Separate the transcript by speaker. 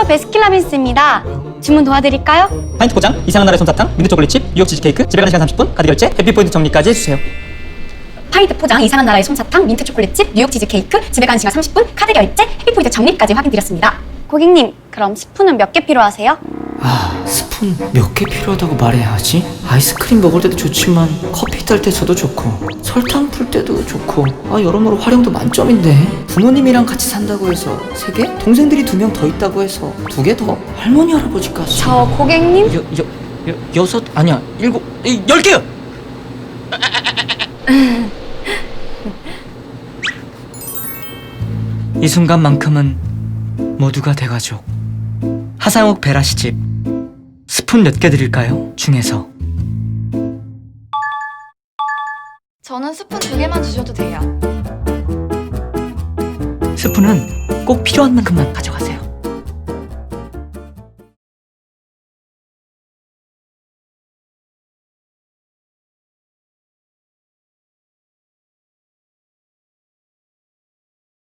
Speaker 1: 베스킨라빈스입니다. 주문 도와드릴까요?
Speaker 2: 파인트 포장, 이상한 나라의 솜사탕, 민트 초콜릿칩, 뉴욕 치즈케이크, 집에 가는 시간 30분, 카드 결제, 해피포인트 정리까지 해주세요.
Speaker 3: 파인트 포장, 이상한 나라의 솜사탕, 민트 초콜릿칩, 뉴욕 치즈케이크, 집에 가는 시간 30분, 카드 결제, 해피포인트 적립까지 확인드렸습니다.
Speaker 1: 고객님, 그럼 스푼은 몇 개 필요하세요?
Speaker 4: 아, 스푼 몇 개 필요하다고 말해야 하지? 아이스크림 먹을 때도 좋지만 커피 딸 때 써도 좋고 설탕 풀 때도 좋고 여러모로 활용도 만점인데 부모님이랑 같이 산다고 해서 3개? 동생들이 2명 더 있다고 해서 2개 더? 할머니 할아버지까지
Speaker 1: 저 고객님?
Speaker 4: 여섯? 아니야 7, 10개요! 이 순간만큼은 모두가 대가족. 하상욱 베라시집 스푼 몇 개 드릴까요? 중에서
Speaker 1: 저는 스푼 2개만 주셔도 돼요.
Speaker 4: 스푼은 꼭 필요한 만큼만 가져가세요.